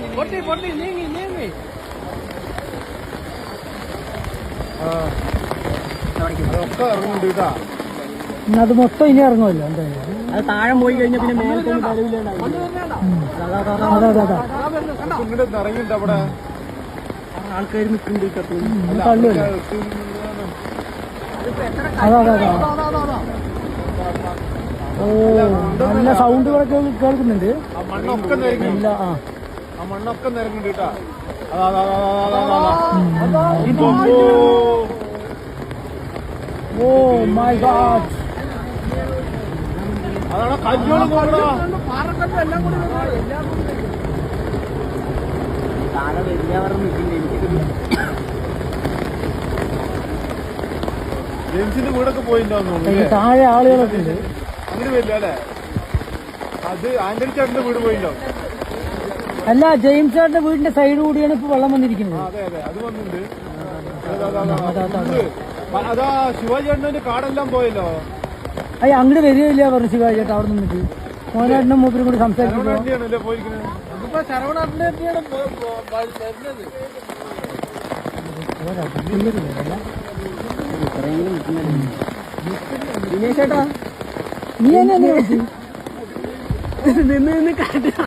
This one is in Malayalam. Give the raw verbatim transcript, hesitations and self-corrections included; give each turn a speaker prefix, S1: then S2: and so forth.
S1: പൊട്ടി പൊട്ടി നീങ്ങി നീങ്ങി
S2: ഒക്കെ ഇറങ്ങുന്നുണ്ട് കേട്ടാ.
S3: അത് മൊത്തം ഇനി ഇറങ്ങുമല്ലോ എന്തായാലും.
S1: അത് താഴെ പോയി കഴിഞ്ഞാൽ പിന്നെ മേലത്തൊന്നും കഴിവില്ല.
S3: അതാ അതാ അതാ
S2: ഇങ്ങോട്ട് ഇറങ്ങിണ്ട് അവിടെ
S1: ആൾക്കാർ നിൽക്കുന്നുണ്ട്.
S3: തള്ളുമല്ലോ. അതാ അതാ അതാ. ഓ നല്ല സൗണ്ടുകളൊക്കെ കേൾക്കുന്നുണ്ട്.
S2: ആ മണ്ണൊക്കെ നിരങ്ങി.
S3: ഇല്ല ആ
S2: ആ മണ്ണൊക്കെ നിരങ്ങുന്നുണ്ട് കേട്ടാ. അതാ അതാ അതാ അതാ അതാ.
S3: Oh my god.
S2: അതാണ് കല്ലുകൾ പോകണോ.
S1: താഴെ വലിയവർ നിൽക്കില്ല. എനിക്കിത്
S2: ജെയിംസിന്റെ വീടൊക്കെ പോയിണ്ടാവുന്നു തോന്നുന്നു.
S3: താഴെ ആളുകളൊക്കെ ഉണ്ട്.
S2: അങ്ങനെ വരില്ല അല്ലേ? അത് ആന്റണി ചേട്ടന്റെ വീട് പോയിണ്ടാവും.
S3: അല്ല ജെയിംസ് ചേട്ടന്റെ വീടിന്റെ സൈഡ് കൂടിയാണ് ഇപ്പൊ വെള്ളം വന്നിരിക്കുന്നത്.
S2: അതെ അതെ അത് വന്നിട്ടുണ്ട്. അതാ ശിവാജി ചേട്ടന്റെ കാടെല്ലാം പോയല്ലോ.
S3: അയ്യ അങ്ങോട്ട് വരികയില്ല പറഞ്ഞു ശിവാജി ചേട്ടാ അവിടെ നിന്നിട്ട്. മോനാട്ടിനും മൂപ്പരും കൂടി സംസാരിക്കുമ്പോ
S2: വണ്ടിയാണല്ലേ പോയിരിക്കുന്നത്.
S1: അതിപ്പോ ശരവണാട്ടിന്റെ തന്നെയാണ് വരുന്നത്. ദിനേശ് ചേട്ടാ
S3: നീ എന്നെ
S1: നിന്ന് നിന്ന് കാട്ട